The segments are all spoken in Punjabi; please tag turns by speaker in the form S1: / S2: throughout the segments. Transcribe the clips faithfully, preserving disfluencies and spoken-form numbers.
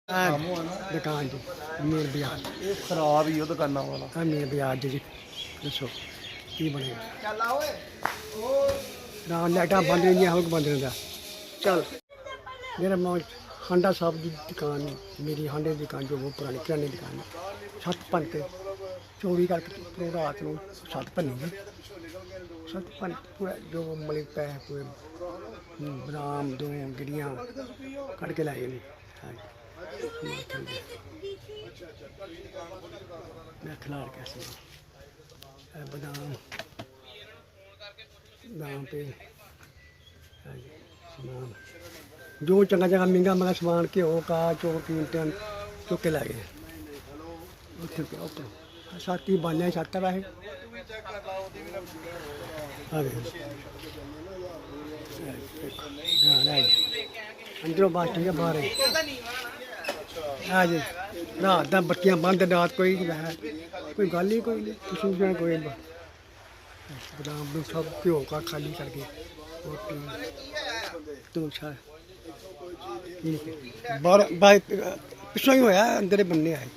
S1: दुकान जी मेन बाजार
S2: ये खराब ही हो दुकाना वाला
S1: हाँ मेन बाजार जी दसो की बने ना लाइटा बंद नहीं हो बंद रहता चल मेरा मौज हांडा साहब की दुकान मेरी हांडे की दुकान जो वो पुरानी किराने की दुकान छत भन के चोरी करके रात को छत भनी जी छत भन पूरा जो मतलब पैसे पूरे बदाम दो गिड़ियाँ कट के लाए नहीं मैं खिलाड़ कैसे बादाम दाम पे सामान जो चंगा चंगा महंगा महंगा सामान घ्यो का चौक कीमतें चुक के लाए साथी बालियाँ छत है वैसे अंदरों बात ठीक है बाहर है जी रात का बत्तियां बंद रात कोई है कोई गल ही कोई नहीं किसी ने कोई बदाम सब घ्यो का खाली करके बाहर पिछों ही होया अंदर बनने आए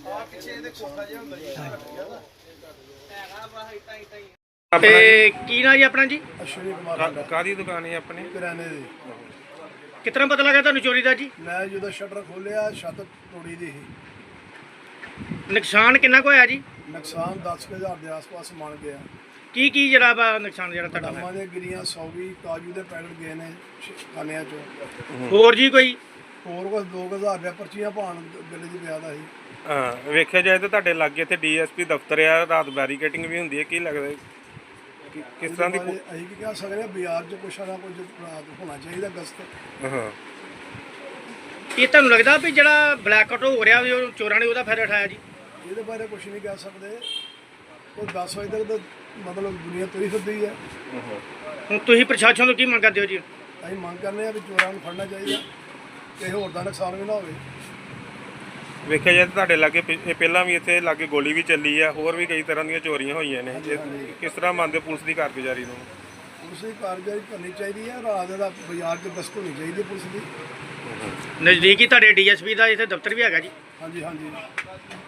S3: ਕੀ ਨਾਂ ਜੀ ਆਪਣਾ ਜੀ?
S2: ਅਸ਼ਵਨੀ ਕੁਮਾਰ
S4: ਕਾਦੀ ਦੁਕਾਨ ਹੈ ਆਪਣੀ?
S2: ਕਿਰਾਣੇ ਦੀ।
S3: ਕਿਤਨਾ ਪਤਾ ਲੱਗਾ ਤੁਹਾਨੂੰ ਚੋਰੀ ਦਾ ਜੀ?
S2: ਮੈਂ ਜਦੋਂ ਸ਼ਟਰ ਖੋਲਿਆ ਛੱਤ ਤੋੜੀ ਦੀ ਸੀ।
S3: ਨੁਕਸਾਨ ਕਿੰਨਾ ਕੁ ਹੋਇਆ ਜੀ?
S2: ਨੁਕਸਾਨ ਦਸ ਕੁ ਹਜ਼ਾਰ ਦੇ ਆਸ-ਪਾਸ ਮੰਨ ਗਿਆ।
S3: ਕੀ ਕੀ ਜਿਹੜਾ ਵਾ ਨੁਕਸਾਨ ਜਿਹੜਾ ਤੁਹਾਡਾ
S2: ਬਦਾਮਾਂ
S3: ਹੋਇਆ?
S2: ਦੀਆਂ ਗਿਰੀਆਂ ਸੌ ਵੀ ਕਾਜੂ ਦੇ ਪੈਕਟ ਗਏ ਨੇ ਖਾਨਿਆਂ ਚੋਂ।
S3: ਹੋਰ ਜੀ ਕੋਈ?
S2: ਹੋਰ ਕੁਝ ਦੋ ਕੁ ਹਜ਼ਾਰ ਰੁਪਇਆ ਪਰਚੀਆਂ ਪਾਉਣ ਬਿੱਲ 'ਚ ਪਿਆ ਦਾ ਸੀ।
S4: ਹਾਂ ਵੇਖਿਆ ਜਾਏ ਤਾਂ ਤੁਹਾਡੇ ਲਾਗੇ ਇੱਥੇ ਡੀਐਸਪੀ ਦਫ਼ਤਰ ਆ, ਰਾਤ ਬੈਰੀਕੇਟਿੰਗ ਵੀ ਹੁੰਦੀ ਹੈ, ਕੀ ਲੱਗਦਾ ਕਿ- ਕਿਸ ਤਰ੍ਹਾਂ ਦੀ
S2: ਉਹਦੇ ਬਾਰੇ ਅਸੀਂ ਕੀ ਕਹਿ ਸਕਦੇ ਹਾਂ, ਬਾਜ਼ਾਰ 'ਚ ਕੁਛ ਨਾ ਕੁਝ ਰਾਤ ਹੋਣਾ ਚਾਹੀਦਾ ਗਸਤ।
S4: ਹਾਂ
S3: ਇਹ ਤੁਹਾਨੂੰ ਲੱਗਦਾ ਵੀ ਜਿਹੜਾ ਬਲੈਕ ਆਊਟ ਹੋ ਰਿਹਾ ਵੀ ਉਹ ਚੋਰਾਂ ਨੇ ਉਹਦਾ ਫਾਇਦਾ ਉਠਾਇਆ ਜੀ?
S2: ਇਹਦੇ ਬਾਰੇ ਕੁਝ ਨਹੀਂ ਕਹਿ ਸਕਦੇ। ਉਹ ਦਸ ਵਜੇ ਤੱਕ ਤਾਂ ਮਤਲਬ ਦੁਨੀਆ ਤੁਰੀ ਫਿਰਦੀ ਹੈ।
S3: ਹੁਣ ਤੁਸੀਂ ਪ੍ਰਸ਼ਾਸਨ ਤੋਂ ਕੀ ਮੰਗ ਕਰਦੇ ਹੋ ਜੀ?
S2: ਅਸੀਂ ਮੰਗ ਕਰਨੇ ਆ ਵੀ ਚੋਰਾਂ ਨੂੰ ਫੜਨਾ ਚਾਹੀਦਾ, ਕਿਸੇ ਹੋਰ ਦਾ ਨੁਕਸਾਨ ਵੀ ਨਾ ਹੋਵੇ।
S4: ਵੇਖਿਆ ਜਾਏ ਤਾਂ ਤੁਹਾਡੇ ਲਾਗੇ ਪਿ- ਇਹ ਪਹਿਲਾਂ ਵੀ ਇੱਥੇ ਲਾਗੇ ਗੋਲੀ ਵੀ ਚੱਲੀ ਆ, ਹੋਰ ਵੀ ਕਈ ਤਰ੍ਹਾਂ ਦੀਆਂ ਚੋਰੀਆਂ ਹੋਈਆਂ ਨੇ। ਜੇ ਕਿਸ ਤਰ੍ਹਾਂ ਮੰਨਦੇ ਪੁਲਿਸ ਦੀ ਕਾਰਗੁਜ਼ਾਰੀ ਨੂੰ?
S2: ਪੁਲਿਸ ਦੀ ਕਾਰਗੁਜ਼ਾਰੀ ਕਰਨੀ ਚਾਹੀਦੀ ਹੈ। ਰਾਤ ਦਾ ਬਾਜ਼ਾਰ 'ਚ ਗਸ਼ਤ ਹੋਣੀ ਚਾਹੀਦੀ ਹੈ ਪੁਲਿਸ ਦੀ।
S3: ਨਜ਼ਦੀਕੀ ਤੁਹਾਡੇ ਡੀਐਸਪੀ ਦਾ ਇੱਥੇ ਦਫ਼ਤਰ ਵੀ ਹੈਗਾ ਜੀ?
S2: ਹਾਂਜੀ ਹਾਂਜੀ